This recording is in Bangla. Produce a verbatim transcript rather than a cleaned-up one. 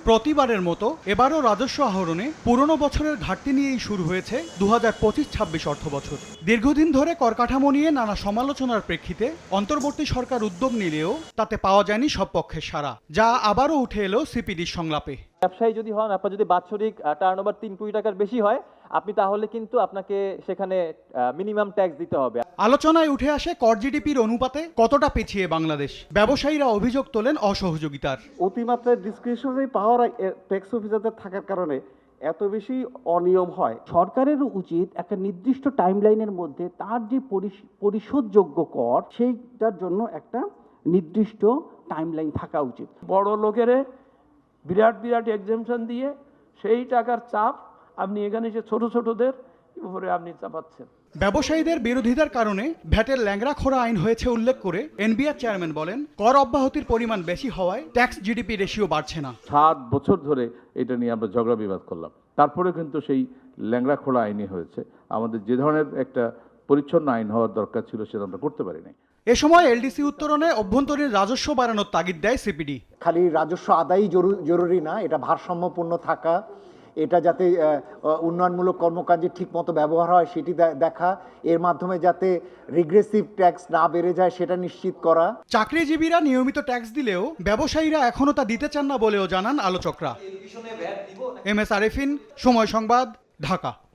প্রতিবারের মতো এবারও রাজস্ব আহরণে পুরনো বছরের ঘাটতি নিয়েই শুরু হয়েছে দু হাজার পঁচিশ ছাব্বিশ অর্থ বছর। দীর্ঘদিন ধরে কর কাঠামো নিয়ে নানা সমালোচনার প্রেক্ষিতে অন্তর্বর্তী সরকার উদ্যোগ নিলেও তাতে পাওয়া যায়নি সব পক্ষের সাড়া, যা আবারও উঠে এলো সিপিডির সংলাপে। ব্যবসায়ী যদি হন, আপনার যদি বাৎসরিক টার্ন ওভার তিন কোটি টাকার বেশি হয়, আপনি তাহলে কিন্তু আপনাকে সেখানে মিনিমাম ট্যাক্স দিতে হবে। আলোচনায় উঠে আসে কর জিডিপির অনুপাতে কতটা পিছিয়ে বাংলাদেশ। ব্যবসায়ীরা অভিযোগ তোলেন অসহযোগিতার। অতিমাত্রায় ডিসক্রিশনারি পাওয়ার ট্যাক্স অফিসারদের থাকার কারণে এত বেশি অনিয়ম হয়। সরকারের উচিত একটা নির্দিষ্ট টাইমলাইনের মধ্যে তার যে পরিশোধযোগ্য কর সেইটার জন্য একটা নির্দিষ্ট টাইমলাইন থাকা উচিত। বড় লোকেরে বিরাট বিরাট এক্সাম্পশন দিয়ে সেই টাকার চাপ আপনি এখানে সে ছোট ছোটদের উপরে আপনি চাপাচ্ছেন। ব্যবসায়ীদের বিরোধিতার কারণে ভ্যাটের ল্যাংড়া খোরা আইন হয়েছে উল্লেখ করে এনবিআর চেয়ারম্যান বলেন, কর অব্যাহতির পরিমাণ বেশি হওয়ায় ট্যাক্স জিডিপি রেশিও বাড়ছে না। সাত বছর ধরে এটা নিয়ে আমরা ঝগড়া বিবাদ করলাম, তারপরে কিন্তু সেই ল্যাংড়া খোলা আইনই হয়েছে। আমাদের যে ধরনের একটা পরিচ্ছন্ন আইন হওয়ার দরকার ছিল সেটা আমরা করতে পারি নাই। এ সময় এলডিসি উত্তরণে অভ্যন্তরীণ রাজস্ব বাড়ানোর তাগিদ দেয় সিপিডি। খালি রাজস্ব আদায়ই জরুরি না, এটা ভারসাম্যপূর্ণ থাকা, এটা যাতে উন্নয়নমূলক কর্মকাণ্ডে ঠিকমতো ব্যবহার হয় সেটি দেখা, এর মাধ্যমে যাতে রিগ্রেসিভ ট্যাক্স না বেড়ে যায় সেটা নিশ্চিত করা। চাকরিজীবীরা নিয়মিত ট্যাক্স দিলেও ব্যবসায়ীরা এখনো তা দিতে চান না বলেও জানান আলোচকরা। এম এস আরেফিন, সময় সংবাদ, ঢাকা।